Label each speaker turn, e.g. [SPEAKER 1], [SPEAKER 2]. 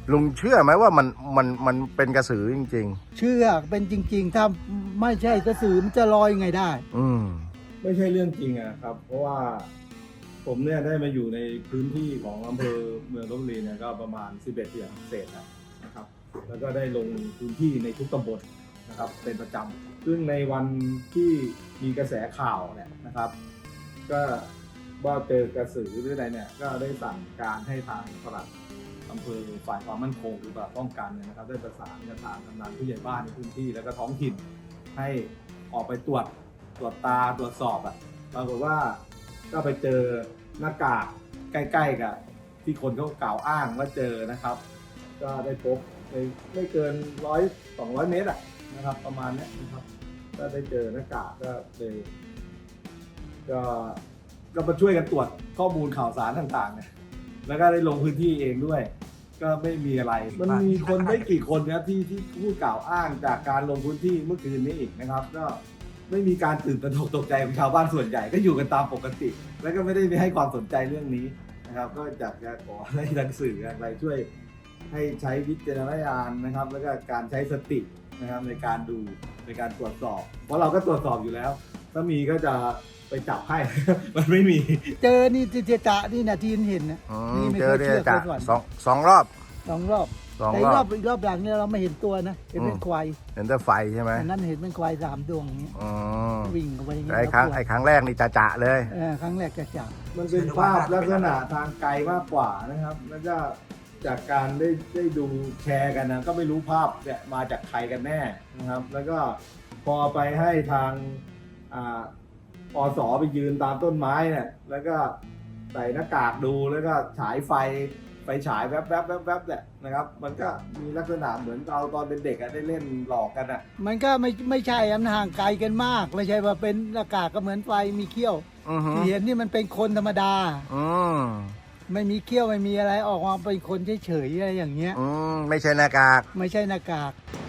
[SPEAKER 1] ลุงเชื่อไหมว่ามันเป็นกระสือจริง
[SPEAKER 2] เชื่อเป็นจริงๆ ถ้าไม่ใช่กระสือมันจะลอยไงได้
[SPEAKER 1] ๆ อืม
[SPEAKER 3] ไม่ใช่เรื่องจริงอะครับ เพราะว่าผมเนี่ยได้มาอยู่ในพื้นที่ของอำเภอเมืองลพบุรีเนี่ยก็ประมาณ11เดือนเศษแล้วนะครับ แล้วก็ได้ลงพื้นที่ในทุกตำบลนะครับเป็นประจำซึ่งในวันที่มีกระแสข่าวเนี่ยนะครับ ก็ว่าเจอกระสือหรืออะไรเนี่ยก็ได้สั่งการให้ทางปลัดอำเภอฝ่ายความมั่นคงหรือว่าป้องกันเนี่ยนะครับได้ประสานกับทางกำนันผู้ใหญ่บ้านในพื้นที่แล้วก็ท้องถิ่นให้ออกไปตรวจตาตรวจสอบอะปรากฏว่าก็ไปเจอหน้ากากใกล้ๆกับที่คนเขากล่าวอ้างว่าเจอนะครับ ก็ได้พบในไม่เกิน100-200 เมตรอะนะครับประมาณนี้นะครับก็ได้เจอหน้ากากก็เลยก็มาช่วยกันตรวจข้อมูลข่าวสารต่างๆเนี่ยแล้วก็ได้ลงพื้นที่เองด้วย ก็ไม่มีอะไรมันมีคนไม่กี่คนนะครับที่พูดกล่าวอ้างจากการลงพื้นที่เมื่อคืนนี้อีกนะครับ ก็ไม่มีการตื่นตระหนกตกใจของชาวบ้านส่วนใหญ่ก็อยู่กันตามปกติ แล้วก็ไม่ได้ให้ความสนใจเรื่องนี้นะครับ ก็อยากจะขอให้ทางสื่ออะไรช่วยให้ใช้วิจารณญาณนะครับ แล้วก็การใช้สตินะครับในการดูในการตรวจสอบ เพราะเราก็ตรวจสอบอยู่แล้ว ถ้ามีก็จะไปจับให้ มันไม่มี
[SPEAKER 2] เจอนี่จะนี่นะที่เห็นนะ
[SPEAKER 1] อื
[SPEAKER 2] นี่
[SPEAKER 1] ม
[SPEAKER 2] ไม่
[SPEAKER 1] เจ
[SPEAKER 2] เค
[SPEAKER 1] อย เนี่ย
[SPEAKER 2] เชื่อ
[SPEAKER 1] จะ
[SPEAKER 2] เคยฝัน
[SPEAKER 1] สองรอบ
[SPEAKER 2] สองรอบ
[SPEAKER 1] สอง
[SPEAKER 2] แต่
[SPEAKER 1] รอบ
[SPEAKER 2] อีกรอบหลังเนี่ยเราไม่เห็นตัวนะเห็นเป็นควาย
[SPEAKER 1] เห็นแต่ไฟใช่ไหม
[SPEAKER 2] อันนั้นเห็นเป็นควาย3 ดวงอย่างเงี้ย
[SPEAKER 1] อ๋อ
[SPEAKER 2] วิ่งเข้าไปอย่างเงี้ย
[SPEAKER 1] ไอ้ครั้งแรกนี่จะเลย
[SPEAKER 2] ครั้งแรกจะจับ
[SPEAKER 3] มันเป็นภาพลักษณะทางไกลมากกว่านะครับ แล้วก็จากการได้ดูแชร์กันนะก็ไม่รู้ภาพเนี่ยมาจากใครกันแน่นะครับ แล้วก็พอไปให้ทางอสไปยืนตามต้นไม้เนี่ยแล้วก็ใส่หน้ากากดูแล้วก็ฉายไฟฉายแวบเนี่ยนะครับ มันก็มีลักษณะเหมือนเราตอนเป็นเด็กอะได้เล่นหลอกกันอะ
[SPEAKER 2] มันก็ไม่ใช่มันห่างไกลกันมาก ไม่ใช่ว่าเป็นหน้ากากก็เหมือนไฟมีเขี้ยว
[SPEAKER 1] อือหือ
[SPEAKER 2] ที่เห็นนี่มันเป็นคนธรรมดา
[SPEAKER 1] อืม
[SPEAKER 2] ไม่มีเขี้ยวไม่มีอะไรออกมาเป็นคนเฉยๆอะไรอย่างเงี้ย
[SPEAKER 1] ไม่ใช่หน้ากาก
[SPEAKER 2] ไม่ใช่หน้ากาก
[SPEAKER 1] อ